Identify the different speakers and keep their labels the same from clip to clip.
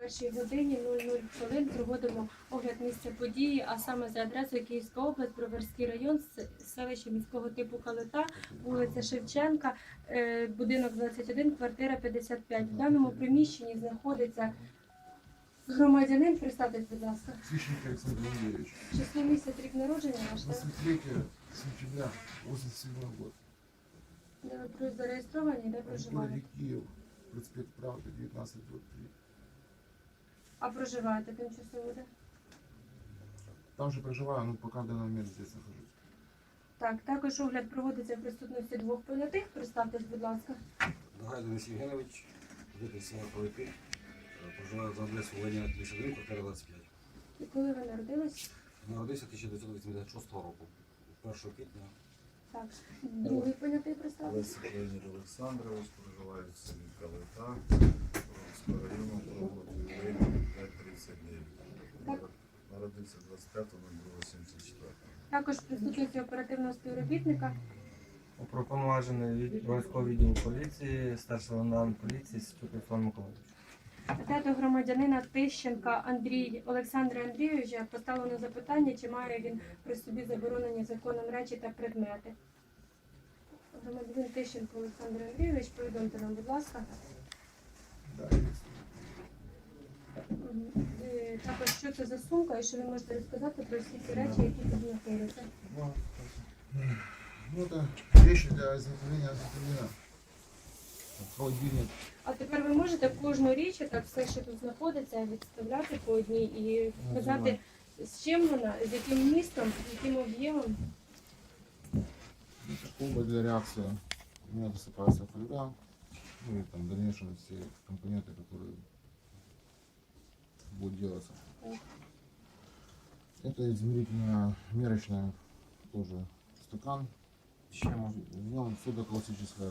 Speaker 1: 21 годині 00 хвилин проводимо огляд місця події, а саме за адресою Київська область, Броварський район, селище міського типу Калита, вулиця Шевченка, будинок 21, квартира 55. В даному приміщенні знаходиться громадянин. Представтесь, будь ласка.
Speaker 2: Священник Александр Андреевич.
Speaker 1: Число, місяць, рік народження ваш, так?
Speaker 2: 23 сентября 87 год.
Speaker 1: Де ви зареєстровані, де
Speaker 2: В
Speaker 1: проживаєте?
Speaker 2: городе Киев, проспект Правды, 1923.
Speaker 1: А проживаєте тимчасово де?
Speaker 2: Там же проживаю, но пока в данный момент здесь нахожусь.
Speaker 1: Так, також огляд проводиться в присутності двох понятих. Представтесь, будь ласка.
Speaker 3: Нагай Денис Євгенович, житель села Калити, проживаю за адресою Леніна 31, квартира 25.
Speaker 1: І коли ви народились?
Speaker 3: Народився 1986 року, 1 квітня.
Speaker 1: Так. Другий понятий представтесь.
Speaker 4: Лесик Леонід Олександрович, проживає в селі Калита, Броварського району, проводу ювілейний 539.
Speaker 1: Так.
Speaker 4: Народився 25.02.74.
Speaker 1: Також в присутності оперативного співробітника.
Speaker 5: Уповноважений військовий відділ поліції, старший лейтенант поліції Сичук Руслан Миколаївич.
Speaker 1: Тато громадянина Тищенка Олександра Андрійовича поставлено запитання, чи має він при собі заборонені законом речі та предмети. Громадянин Тищенко Олександр Андрійович, повідомте нам, будь ласка.
Speaker 2: Да, есть.
Speaker 1: Також, що це за сумка і що ви можете розказати про всі ці речі, які тут знаходяться.
Speaker 2: Ну, это вещи для изготовления вина. Холодильник.
Speaker 1: А тепер ви можете кожну річ, так все, що тут знаходиться, відставляти по одній і сказати, з чим вона, з яким містом, з яким об'ємом.
Speaker 2: Это колба для реакции. У меня досыпается фольга. Ну и там в дальнейшем все компоненты, которые будут делаться.
Speaker 1: Так.
Speaker 2: Это измерительная мерочная тоже стакан.
Speaker 5: Ще можна.
Speaker 2: В нем сода классическая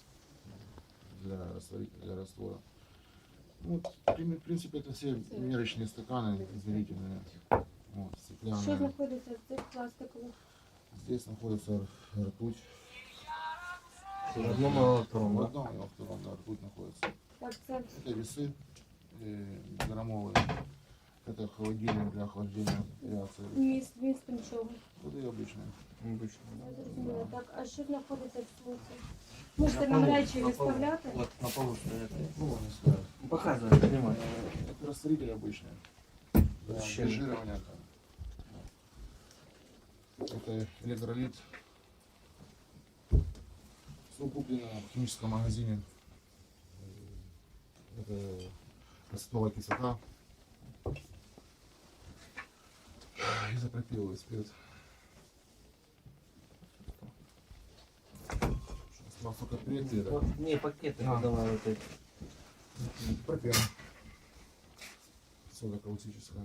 Speaker 2: для раствора. Ну, в принципе, это все мерочные стаканы измерительные. Вот,
Speaker 1: Що
Speaker 2: стеклянные.
Speaker 1: знаходиться в цих пластикових?
Speaker 2: Здесь находится ртуть.
Speaker 5: В одному і
Speaker 2: В
Speaker 5: второму.
Speaker 2: одном и во втором, да, ртуть находится.
Speaker 1: Так, це
Speaker 2: Это весы граммовые. Это холодильник для охлаждения реакции.
Speaker 1: містом чого?
Speaker 2: Воды обычные.
Speaker 5: Обично.
Speaker 1: Я зрозуміла. Так, а що знаходиться в сумці? Можете нам речі виставляти?
Speaker 5: От на полу стоять.
Speaker 2: Ну, они стоят.
Speaker 5: Показує, знімай.
Speaker 2: Это растворитель обычный. Для
Speaker 5: Зачем?
Speaker 2: дозирования там. Это электролит. Все куплено в химическом магазине. Это ацетовая кислота. Изопропиловый спирт. Маслокопреты, да.
Speaker 5: Ні, пакети
Speaker 2: А.
Speaker 5: подавай вот эти.
Speaker 2: Пропен. Сода каутическая.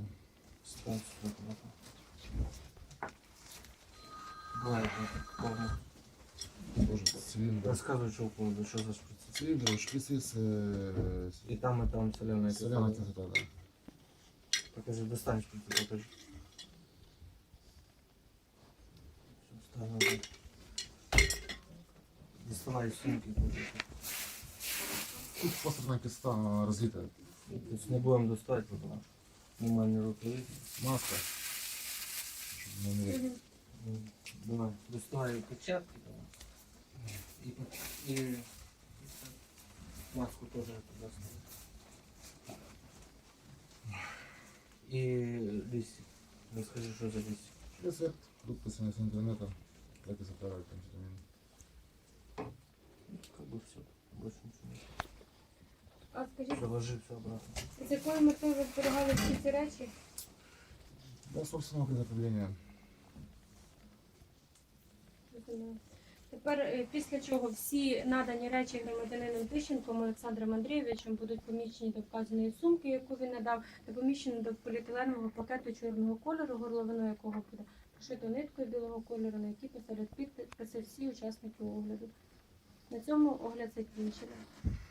Speaker 5: Буває повно.
Speaker 2: Тоже цилиндр.
Speaker 5: Розказуй, що вкладу, що за шприці.
Speaker 2: Цилиндр, шприцы с
Speaker 5: І там соляна
Speaker 2: соляной
Speaker 5: кислота.
Speaker 2: кислота, да.
Speaker 5: Покажи, достань шприці, покажи. Ставимо. Доставай из сумки.
Speaker 2: Тут фосфорная кислота, она разлитая.
Speaker 5: То есть не будем достать, потому что нормальные рукавицы.
Speaker 2: Маска. Чтобы не умереть.
Speaker 5: Давай, доставай перчатки. И маску тоже туда ставь. И листик. Расскажи, что за листик.
Speaker 2: Рецепт, выписанный с интернета, как изготавливать амфетамин.
Speaker 5: Как бы все. Больше ничего нет.
Speaker 1: А скажіть,
Speaker 5: Заложи все обратно.
Speaker 1: з якою метою ви зберігали всі ці речі?
Speaker 2: Для собственного приготовления.
Speaker 1: Зрозуміло. Тепер, після чого всі надані речі громадянином Тищенком Олександром Андрійовичем будуть поміщені до вказаної сумки, яку він надав, та поміщені до поліетиленового пакету чорного кольору, горловиною якого буде пошито ниткою білого кольору, на якій поставлять підписи всі учасники огляду. На цьому огляд закінчено.